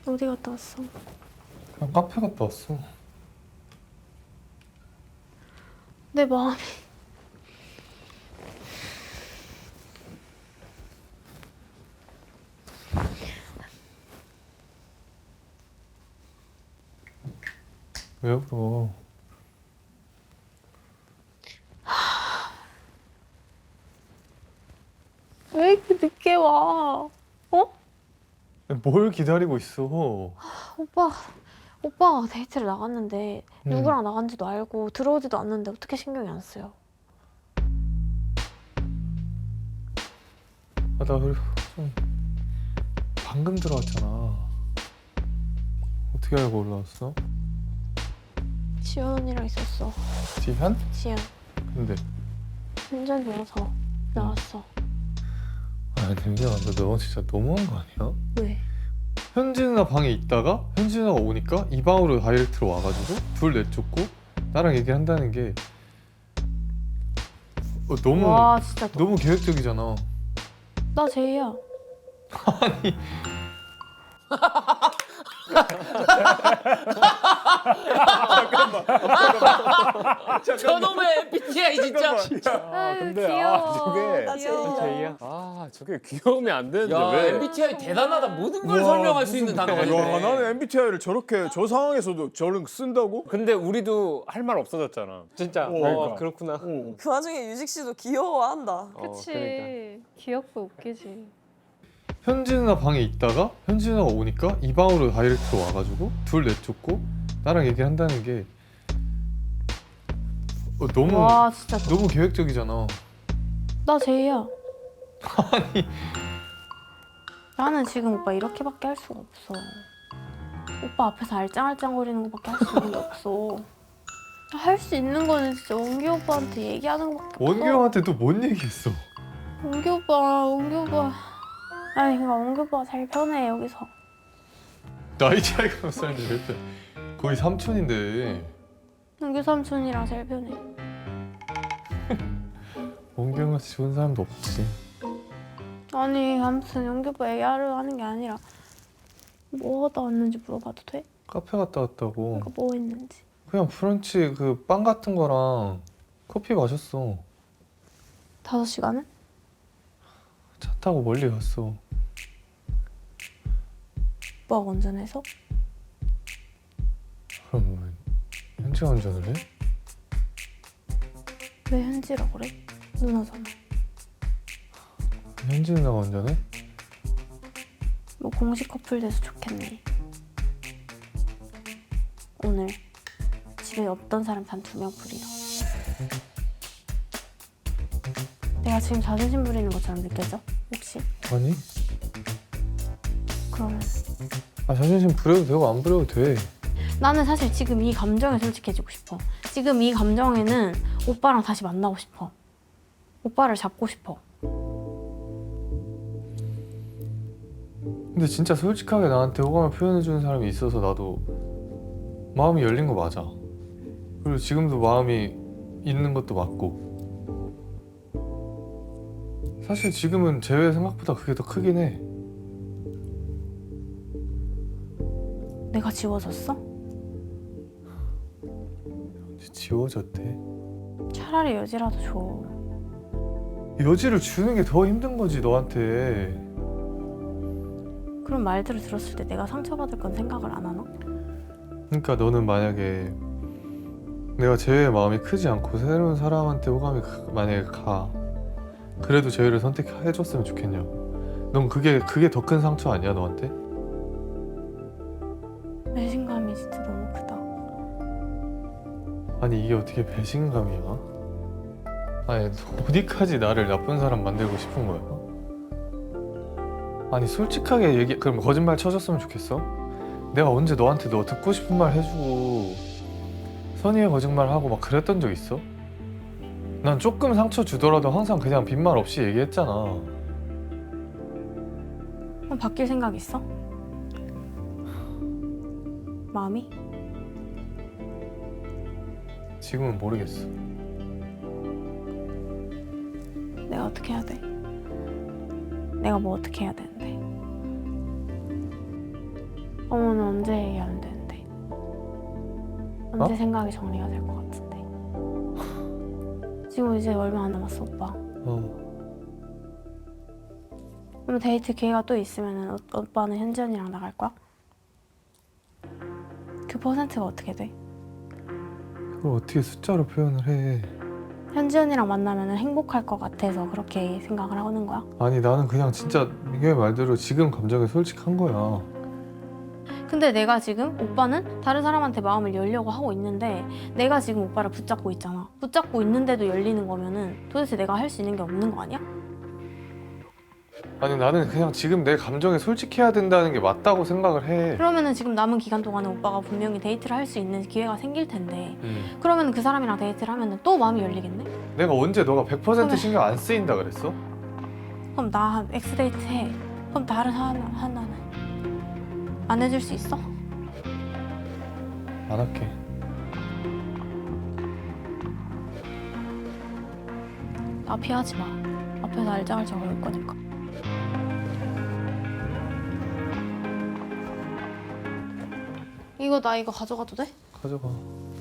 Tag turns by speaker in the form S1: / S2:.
S1: 어디 갔다 왔어?
S2: 그냥 카페 갔다 왔어.
S1: 내 마음이
S2: 왜 울어?
S1: 왜 이렇게 늦게 와? 어?
S2: 뭘 기다리고 있어?
S1: 오빠가 데이트를 나갔는데
S2: 음.
S1: 누구랑 나간지도 알고 들어오지도 않는데 어떻게 신경이 안 쓰여?
S2: 나 그리고 좀 방금 들어왔잖아. 어떻게 알고 올라왔어?
S1: 지연 언니랑 있었어.
S2: 지현?
S1: 지연
S2: 근데
S1: 운전 좋아서 나왔어.
S2: 민경아, 너 진짜 너무한 거 아니야?
S1: 왜?
S2: 현지 누나 방에 있다가 현지 누나가 오니까 이 방으로 다이렉트로 와가지고 둘 내쫓고 나랑 얘기한다는 게 너무
S1: 와 진짜
S2: 너무 계획적이잖아.
S1: 나 제이야.
S2: 아니
S3: 저놈의 MBTI 진짜.
S1: 아유
S4: 근데
S1: 귀여워.
S4: 저게
S1: 귀여워.
S4: 제이야? 아 저게 귀여우면 안 되는데
S3: 야
S4: 왜?
S3: MBTI 대단하다. 모든 걸 설명할 수 있는 단어가
S5: 와,
S3: 있네.
S5: 나는 MBTI를 저렇게 저 상황에서도 저런 쓴다고?
S4: 근데 우리도 할 말 없어졌잖아. 진짜.
S5: 그러니까.
S4: 그렇구나.
S5: 어.
S6: 그 와중에 유식 씨도 귀여워한다.
S1: 그치.
S4: 그러니까.
S1: 귀엽고 웃기지.
S2: 현지 누나 방에 있다가 현지 누나가 오니까 이 방으로 다이렉트로 와가지고 둘 내쫓고 나랑 얘기한다는 게 너무
S1: 와 진짜
S2: 너무 계획적이잖아.
S1: 나 제이야. 아니 나는 지금 오빠 이렇게밖에 할 수가 없어. 오빠 앞에서 알짱알짱거리는 거밖에 할 수 있는 게 없어. 할 수 있는 거는 진짜 원기 오빠한테 얘기하는 거밖에 없어.
S2: 원규 형한테 또 뭔 얘기했어?
S1: 원기 오빠. 아니 그러니까 원기 오빠가 제일 편해 여기서.
S2: 나이 차이가 몇 살인데 왜 그래? 거의 삼촌인데
S1: 원기 삼촌이랑 제일 편해.
S2: 원규 형같이 좋은 사람도 없지.
S1: 아니 아무튼 원기 오빠 얘기하려 하는 게 아니라 뭐 하다 왔는지 물어봐도 돼?
S2: 카페 갔다 왔다고.
S1: 그러니까 뭐 했는지.
S2: 그냥 브런치 그 빵 같은 거랑 커피 마셨어.
S1: 5시간은?
S2: 차 타고 멀리 갔어.
S1: 오빠가 운전해서?
S2: 그럼 뭐 현지가 운전을 해?
S1: 왜 현지라 그래? 누나잖아.
S2: 현지 누나가 운전해?
S1: 뭐 공식 커플 돼서 좋겠네. 오늘 집에 없던 사람 단 2명 풀이야. 내가 지금 자존심 부리는 것처럼 느껴져? 혹시?
S2: 아니?
S1: 그러면
S2: 자존심 부려도 되고 안 부려도 돼.
S1: 나는 사실 지금 이 감정에 솔직해지고 싶어. 지금 이 감정에는 오빠랑 다시 만나고 싶어. 오빠를 잡고 싶어.
S2: 근데 진짜 솔직하게 나한테 호감을 표현해주는 사람이 있어서 나도 마음이 열린 거 맞아. 그리고 지금도 마음이 있는 것도 맞고. 사실 지금은 제외 생각보다 그게 더 크긴 해.
S1: 내가 지워졌어?
S2: 지워졌대.
S1: 차라리 여지라도 줘.
S2: 여지를 주는 게 더 힘든 거지 너한테.
S1: 그런 말들을 들었을 때 내가 상처받을 건 생각을 안 하나?
S2: 그러니까 너는 만약에 내가 재회의 마음이 크지 않고 새로운 사람한테 호감이 만약에 가, 그래도 재회를 선택해줬으면 좋겠냐? 넌 그게 더 큰 상처 아니야 너한테?
S1: 배신감이 진짜 너무 크다.
S2: 아니 이게 어떻게 배신감이야? 아니 어디까지 나를 나쁜 사람 만들고 싶은 거야? 아니 솔직하게 그럼 거짓말 쳐줬으면 좋겠어? 내가 언제 너한테 너 듣고 싶은 말 해주고 선의의 거짓말하고 막 그랬던 적 있어? 난 조금 상처 주더라도 항상 그냥 빈말 없이 얘기했잖아.
S1: 그럼 바뀔 생각 있어? 마음이?
S2: 지금은 모르겠어.
S1: 내가 어떻게 해야 돼? 내가 뭐 어떻게 해야 되는데? 그러면 언제 얘기하면 되는데? 언제
S2: 어?
S1: 생각이 정리가 될 것 같은데? 지금 이제 얼마 안 남았어 오빠. 그럼 데이트 기회가 또 있으면 오빠는 현지 언니랑 나갈 거야? 그 퍼센트가 어떻게 돼?
S2: 그걸 어떻게 숫자로 표현을 해?
S1: 현지 언니랑 만나면 행복할 것 같아서 그렇게 생각을 하는 거야?
S2: 아니 나는 그냥 진짜 민경이 말대로 지금 감정에 솔직한 거야.
S1: 근데 내가 지금 오빠는 다른 사람한테 마음을 열려고 하고 있는데 내가 지금 오빠를 붙잡고 있잖아. 붙잡고 있는데도 열리는 거면은 도대체 내가 할 수 있는 게 없는 거 아니야?
S2: 아니 나는 그냥 지금 내 감정에 솔직해야 된다는 게 맞다고 생각을 해.
S1: 그러면은 지금 남은 기간 동안에 오빠가 분명히 데이트를 할 수 있는 기회가 생길 텐데 그러면 그 사람이랑 데이트를 하면은 또 마음이 열리겠네?
S2: 내가 언제 너가 100% 신경 안 쓰인다 그랬어?
S1: 그럼 나 엑스데이트 해. 그럼 다른 하나는 안 해줄 수 있어?
S2: 안 할게.
S1: 나 피하지 마. 앞에서 알짱알짱 거릴 거니까. 이거 나 이거 가져가도 돼?
S2: 가져가.